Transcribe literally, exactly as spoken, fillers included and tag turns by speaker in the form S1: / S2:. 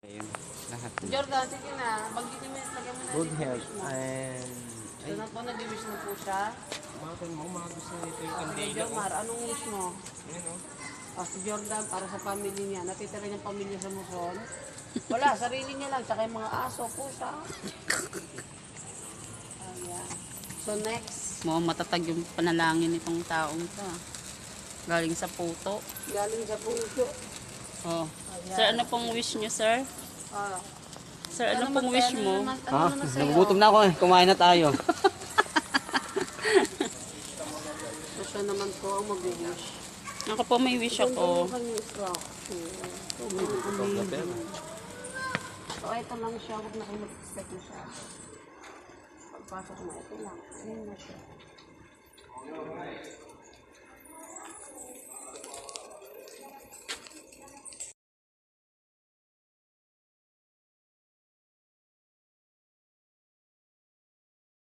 S1: Ayun, lahat.
S2: Jordan, sige na. Banggitin mo, lagyan mo na
S1: Good
S2: dito
S1: health
S2: wish mo.
S1: and
S2: So na po, nag-wish na po siya.
S1: mga mo, mga gusto nito yung
S2: Ah, sige,
S1: kandila.
S2: Jomar, anong wish mo?
S1: Ayan o.
S2: Ah, si Jordan, para sa family niya. Natitira niyang pamilya sa Luzon. Wala, sarili niya lang. Tsaka yung mga aso, pusa. Ayan. So next,
S3: Mukhang matatag yung panalangin nitong taong to. Galing sa puto.
S2: galing sa puso.
S3: Oh. Sir, ano pong wish niyo, sir?
S2: Ah,
S3: Sir, ano pong wish mo?
S2: Ano
S1: Ha?
S2: naman sa'yo?
S1: Nagugutom na ako eh. Kumain na tayo.
S2: So siya naman po ang mag-wish.
S3: Ako po may wish
S2: Ito
S3: ako.
S2: yung kanyang instruction. So, amazing. So, ito lang siya. Huwag na kayo mag-expect na siya. Pagpasok na, ito lang. Ayun na siya.